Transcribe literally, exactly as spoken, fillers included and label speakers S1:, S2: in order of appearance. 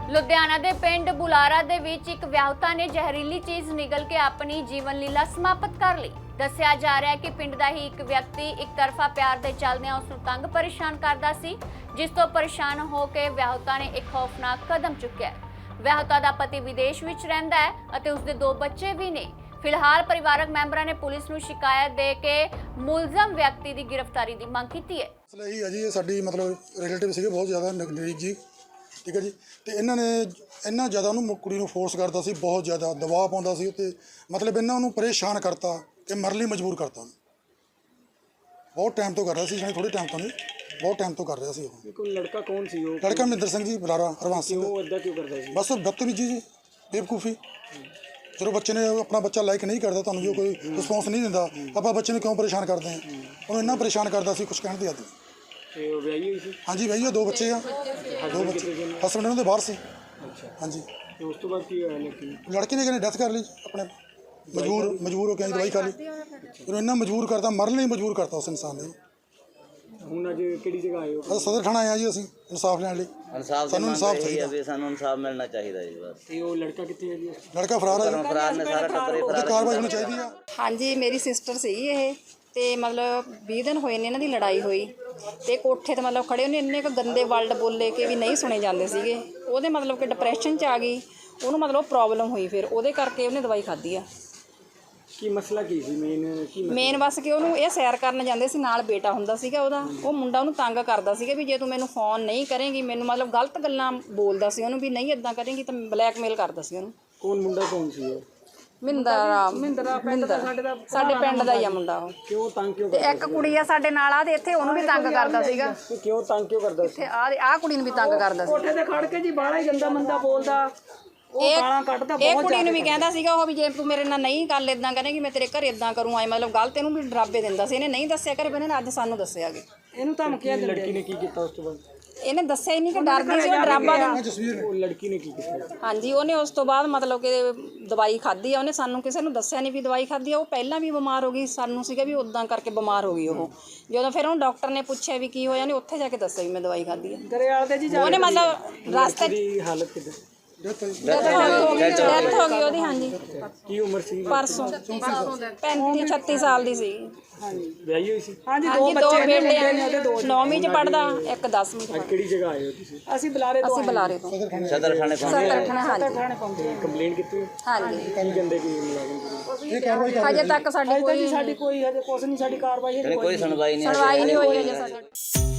S1: ਲੁਧਿਆਣਾ ਦੇ ਪਿੰਡ ਬੁਲਾਰਾ ਦੇ ਵਿੱਚ ਇੱਕ ਵਿਆਹੁਤਾ ਨੇ ਜ਼ਹਿਰੀਲੀ ਚੀਜ਼ ਨਿਗਲ ਕੇ ਆਪਣੀ ਜੀਵਨ ਲੀਲਾ ਸਮਾਪਤ ਕਰ ਲਈ। ਦੱਸਿਆ ਜਾ ਰਿਹਾ ਹੈ ਕਿ ਪਿੰਡ ਦਾ ਹੀ ਇੱਕ ਵਿਅਕਤੀ ਇੱਕ ਤਰਫਾ ਪਿਆਰ ਦੇ ਚੱਲਦਿਆਂ ਉਸ ਨੂੰ ਤੰਗ ਪਰੇਸ਼ਾਨ ਕਰਦਾ ਸੀ, ਜਿਸ ਤੋਂ ਪਰੇਸ਼ਾਨ ਹੋ ਕੇ ਵਿਆਹੁਤਾ ਨੇ ਇੱਕ ਖੌਫਨਾਕ ਕਦਮ ਚੁੱਕਿਆ। ਵਿਆਹੁਤਾ ਦਾ ਪਤੀ ਵਿਦੇਸ਼ ਵਿੱਚ ਰਹਿੰਦਾ ਹੈ ਅਤੇ ਉਸਦੇ ਦੋ ਬੱਚੇ ਵੀ ਨੇ। ਫਿਲਹਾਲ ਪਰਿਵਾਰਕ ਮੈਂਬਰਾਂ ਨੇ ਪੁਲਿਸ ਨੂੰ ਸ਼ਿਕਾਇਤ ਦੇ ਕੇ ਮੁਲਜ਼ਮ ਵਿਅਕਤੀ ਦੀ ਗ੍ਰਿਫਤਾਰੀ ਦੀ ਮੰਗ ਕੀਤੀ ਹੈ।
S2: ਮਸਲਾ ਇਹੀ ਹੈ ਜੀ, ਇਹ ਸਾਡੀ ਮਤਲਬ ਰਿਲੇਟਿਵ ਸੀਗੇ ਬਹੁਤ ਜ਼ਿਆਦਾ ਨਜ਼ਦੀਕ ਜੀ, ਠੀਕ ਹੈ ਜੀ। ਤੇ ਇਹਨਾਂ ਨੇ ਇੰਨਾ ਜ਼ਿਆਦਾ ਉਹਨੂੰ ਕੁੜੀ ਨੂੰ ਫੋਰਸ ਕਰਦਾ ਸੀ, ਬਹੁਤ ਜ਼ਿਆਦਾ ਦਬਾਅ ਪਾਉਂਦਾ ਸੀ ਤੇ ਮਤਲਬ ਇਹਨਾਂ ਉਹਨੂੰ ਪਰੇਸ਼ਾਨ ਕਰਤਾ ਕਿ ਮਰਨ ਲਈ ਮਜਬੂਰ ਕਰਤਾ ਉਹਨੂੰ। ਬਹੁਤ ਟਾਈਮ ਤੋਂ ਕਰ ਰਿਹਾ ਸੀ, ਥੋੜੇ ਟਾਈਮ ਤੋਂ ਨਹੀਂ, ਬਹੁਤ ਟਾਈਮ ਤੋਂ ਕਰ ਰਿਹਾ ਸੀ ਉਹ।
S3: ਕੋਈ ਲੜਕਾ ਕੌਣ ਸੀ ਉਹ?
S2: ਲੜਕਾ ਮਹਿੰਦਰ ਸਿੰਘ ਜੀ, ਬੁਲਾਰਾ ਹਰਵੰਸ ਸਿੰਘ।
S3: ਉਹ ਇੱਦਾਂ ਕਿਉਂ ਕਰਦਾ ਸੀ?
S2: ਬਸ ਬਦਤਮੀਜੀ ਜੀ, ਬੇਵਕੂਫੀ। ਜਦੋਂ ਬੱਚੇ ਨੇ ਆਪਣਾ ਬੱਚਾ ਲਾਈਕ ਨਹੀਂ ਕਰਦਾ, ਤੁਹਾਨੂੰ ਜੋ ਕੋਈ ਰਿਸਪੌਂਸ ਨਹੀਂ ਦਿੰਦਾ, ਆਪਾਂ ਬੱਚੇ ਨੂੰ ਕਿਉਂ ਪਰੇਸ਼ਾਨ ਕਰਦੇ ਹਾਂ? ਉਹਨੂੰ ਇੰਨਾ ਪਰੇਸ਼ਾਨ ਕਰਦਾ ਸੀ, ਕੁਛ ਕਹਿਣ ਦੀ ਹੱਦ ਨਹੀਂ।
S3: ਤੇ ਉਹ ਵਿਆਹੀ ਹੋਈ ਸੀ?
S2: ਹਾਂਜੀ ਵਿਆਹੀ ਆ, ਦੋ ਬੱਚੇ ਆ, ਦੋ ਬੱਚੇ। ਹਸਬੈਂਡ ਉਹਨਾਂ ਦੇ ਬਾਹਰ ਸੀ।
S3: ਅੱਛਾ,
S2: ਹਾਂਜੀ।
S3: ਤੇ ਉਸ ਤੋਂ ਬਾਅਦ ਕੀ ਹੋਇਆ? ਲੜਕੀ
S2: ਲੜਕੇ ਨੇ ਕਹਿੰਦੇ ਡੈਥ ਕਰ ਲਈ ਆਪਣੇ, ਮਜਬੂਰ ਮਜਬੂਰ ਹੋ ਕੇ ਦਵਾਈ ਖਾ ਲਈ। ਉਹਨੂੰ ਇੰਨਾ ਮਜਬੂਰ ਕਰਤਾ, ਮਰਨ ਲਈ ਮਜਬੂਰ ਕਰਤਾ ਉਸ ਇਨਸਾਨ ਨੇ।
S3: ਹੁਣ ਅੱਜ ਕਿਹੜੀ ਜਗ੍ਹਾ ਆਏ ਹੋ?
S2: ਬਸ ਸਦਰ ਥਾਣਾ ਆਇਆ ਜੀ, ਅਸੀਂ ਇਨਸਾਫ ਲੈਣ ਲਈ। ਸਾਨੂੰ ਇਨਸਾਫ ਚਾਹੀਦਾ
S4: ਵੀ ਸਾਨੂੰ ਇਨਸਾਫ ਮਿਲਣਾ ਚਾਹੀਦਾ ਜੀ ਬਸ।
S3: ਤੇ ਉਹ ਲੜਕਾ ਕਿੱਥੇ ਹੈ ਜੀ?
S2: ਲੜਕਾ ਫਰਾਰ ਹੈ,
S4: ਫਰਾਰ ਨੇ ਸਾਰਾ ਟੱਬਰੇ
S2: ਉਹਦੀ ਕਾਰਵਾਈ ਹੋਣੀ ਚਾਹੀਦੀ ਆ।
S5: ਹਾਂਜੀ, ਮੇਰੀ ਸਿਸਟਰ ਸੀਗੀ ਇਹ, ਤੇ ਮਤਲਬ ਵੀਹ ਦਿਨ ਹੋਏ ਨੇ ਇਹਨਾਂ ਦੀ ਲੜਾਈ ਹੋਈ, ਤੇ ਕੋਠੇ ਤੇ ਮਤਲਬ ਖੜੇ ਉਹਨੇ ਇੰਨੇ ਕੁ ਗੰਦੇ ਵਰਡ ਬੋਲੇ ਕਿ ਵੀ ਨਹੀਂ ਸੁਣੇ ਜਾਂਦੇ ਸੀਗੇ। ਉਹਦੇ ਮਤਲਬ ਕਿ ਡਿਪਰੈਸ਼ਨ 'ਚ ਆ ਗਈ, ਉਹਨੂੰ ਮਤਲਬ ਪ੍ਰੋਬਲਮ ਹੋਈ, ਫਿਰ ਉਹਦੇ ਕਰਕੇ ਉਹਨੇ ਦਵਾਈ ਖਾਧੀ ਆ।
S3: ਕੀ ਮਸਲਾ ਕੀ ਸੀ ਮੇਨ? ਕੀ
S5: ਮੇਨ ਬਸ ਕਿ ਉਹਨੂੰ ਇਹ ਸੈਰ ਕਰਨ ਜਾਂਦੇ ਸੀ, ਨਾਲ ਬੇਟਾ ਹੁੰਦਾ ਸੀਗਾ ਉਹਦਾ। ਉਹ ਮੁੰਡਾ ਉਹਨੂੰ ਤੰਗ ਕਰਦਾ ਸੀਗਾ ਵੀ ਜੇ ਤੂੰ ਮੈਨੂੰ ਫੋਨ ਨਹੀਂ ਕਰੇਂਗੀ, ਮੈਨੂੰ ਮਤਲਬ ਗਲਤ ਗੱਲਾਂ ਬੋਲਦਾ ਸੀ ਉਹਨੂੰ ਵੀ ਨਹੀਂ ਇੱਦਾਂ ਕਰੇਂਗੀ, ਤਾਂ ਬਲੈਕਮੇਲ ਕਰਦਾ ਸੀ ਉਹਨੂੰ।
S3: ਕੌਣ ਮੁੰਡਾ ਕੌਣ ਸੀ ਉਹ?
S5: ਮਿੰਦਰ ਮਿੰਦਰ ਸਾਡੇ ਪਿੰਡ ਦਾ ਹੀ ਆ ਮੁੰਡਾ ਉਹ।
S3: ਕਿਉਂ ਤੰਗ ਕਿਉਂ
S5: ਤੇ
S3: ਕਰਦਾ?
S5: ਇੱਕ ਕੁੜੀ ਆ ਸਾਡੇ ਨਾਲ ਆ, ਤੇ ਇੱਥੇ ਉਹਨੂੰ ਵੀ ਤੰਗ ਕਰਦਾ ਸੀਗਾ।
S3: ਸੀ? ਕਿਉਂ ਤੰਗ ਕਿਉਂ ਕਰਦਾ ਸੀ?
S5: ਤੇ ਆ ਆ ਕੁੜੀ ਨੂੰ ਵੀ ਤੰਗ ਕਰਦਾ ਸੀ।
S6: ਕੋਠੇ ਤੇ ਖੜ ਕੇ ਜੀ ਬਾਹਲਾ ਹੀ ਗੰਦਾ ਮੰਦਾ ਬੋਲਦਾ, ਉਹ ਗਾਲਾਂ ਕੱਢਦਾ
S5: ਇਹ
S6: ਬਹੁਤ
S5: ਕੁੜੀ ਨੂੰ ਵੀ ਕਹਿੰਦਾ ਸੀਗਾ ਉਹ ਵੀ ਜੇ ਤੂੰ ਮੇਰੇ ਨਾਲ ਨਹੀਂ ਗੱਲ ਇਦਾਂ ਕਰੇਂਗੀ ਮੈਂ ਤੇਰੇ ਘਰੇ ਇਦਾਂ ਕਰੂੰ, ਆਏ ਮਤਲਬ ਗਲਤ ਇਹਨੂੰ ਵੀ ਡਰਾਬੇ ਦਿੰਦਾ ਸੀ। ਇਹਨੇ ਨਹੀਂ ਦੱਸਿਆ ਘਰੇ, ਪਰ ਇਹਨੇ ਅੱਜ ਸਾਨੂੰ ਦੱਸਿਆ ਕਿ
S6: ਇਹਨੂੰ ਧਮਕੀਆਂ ਦਿੰਦੇ।
S3: ਲੜਕੀ ਨੇ ਕੀ ਕੀਤਾ ਉਸ ਤੋਂ ਬਾਅਦ?
S5: ਇਹਨੇ ਦੱਸਿਆ ਹੀ ਨਹੀਂ ਕਿ ਡਰਦੀ ਸੀ ਉਹ ਡਰਾਬਾ ਦਿੰਦਾ।
S3: ਉਹ ਲੜਕੀ ਨੇ ਕੀ ਕੀਤਾ?
S5: ਹਾਂਜੀ, ਉਹਨੇ ਉਸ ਤੋਂ ਬਾਅਦ ਮਤਲਬ ਕਿ ਦਵਾਈ ਖਾਧੀ ਆ। ਉਹਨੇ ਸਾਨੂੰ ਕਿਸੇ ਨੂੰ ਦੱਸਿਆ ਨਹੀਂ ਵੀ ਦਵਾਈ ਖਾਧੀ ਆ। ਉਹ ਪਹਿਲਾਂ ਵੀ ਬਿਮਾਰ ਹੋ ਗਈ, ਸਾਨੂੰ ਸੀਗਾ ਵੀ ਉਦਾਂ ਕਰਕੇ ਬਿਮਾਰ ਹੋ ਗਈ ਉਹ। ਜਦੋਂ ਫਿਰ ਉਹਨੂੰ ਡਾਕਟਰ ਨੇ ਪੁੱਛਿਆ ਵੀ ਕੀ ਹੋਇਆ, ਉਹਨੇ ਉੱਥੇ ਜਾ ਕੇ ਦੱਸਿਆ ਵੀ ਮੈਂ ਦਵਾਈ ਖਾਧੀ ਆ।
S6: ਦਰਿਆਲ ਦੇ ਜੀ
S5: ਉਹਨੇ ਮਤਲਬ ਰਸਤੇ 'ਚ
S3: ਦੀ ਹਾਲਤ ਕਿੱਦਾਂ?
S5: ਡੈਥ ਹੋ ਗਈ ਉਹਦੀ। ਹਾਂਜੀ,
S3: ਕੀ ਉਮਰ ਸੀ?
S5: ਪਰਸੋਂ ਪੈਂਤੀ ਛੱਤੀ ਸਾਲ ਦੀ ਸੀ।
S3: ਵਿਆਹੀ ਹੋਈ ਸੀ?
S6: ਹਾਂਜੀ,
S5: ਹਾਂਜੀ,
S6: ਦੋ
S5: ਦੋ
S6: ਬੱਚੇ ਨੇ,
S5: ਬੇਟੇ
S6: ਮੁੰਡੇ ਨੇ ਉਹਦੇ ਦੋ।
S5: ਨੌਵੀਂ 'ਚ ਪੜਦਾ, ਇੱਕ ਦਸਵੀਂ 'ਚ
S3: ਅੱਜ ਕਿਹੜੀ ਜਗ੍ਹਾ ਆਏ ਹੋ ਤੁਸੀਂ?
S6: ਅਸੀਂ ਬੁਲਾਰੇ ਤੋਂ
S5: ਅਸੀਂ ਬੁਲਾਰੇ ਤੋਂ
S4: ਸਦਰ ਥਾਣੇ
S5: ਸੱਤਰ ਥਾਣੇ। ਹਾਂਜੀ
S6: ਥਾਣੇ ਪਹੁੰਚੇ।
S3: ਕੰਪਲੇਂਟ ਕੀਤੀ?
S5: ਹਾਂਜੀ,
S3: ਕੀ ਕਹਿੰਦੇ ਕਿ ਮੁਲਾਜ਼ਮ ਕੋਲ?
S5: ਹਜੇ ਤੱਕ ਸਾਡੀ ਕੋਈ
S6: ਸਾਡੀ ਕੋਈ ਹਜੇ ਕੁਛ ਨਹੀਂ, ਸਾਡੀ ਕਾਰਵਾਈ ਹਜੇ
S4: ਕੋਈ ਸੁਣਵਾਈ ਨਹੀਂ
S5: ਸੁਣਵਾਈ ਨਹੀਂ ਹੋਈ ਹਜੇ ਸਾਡੀ।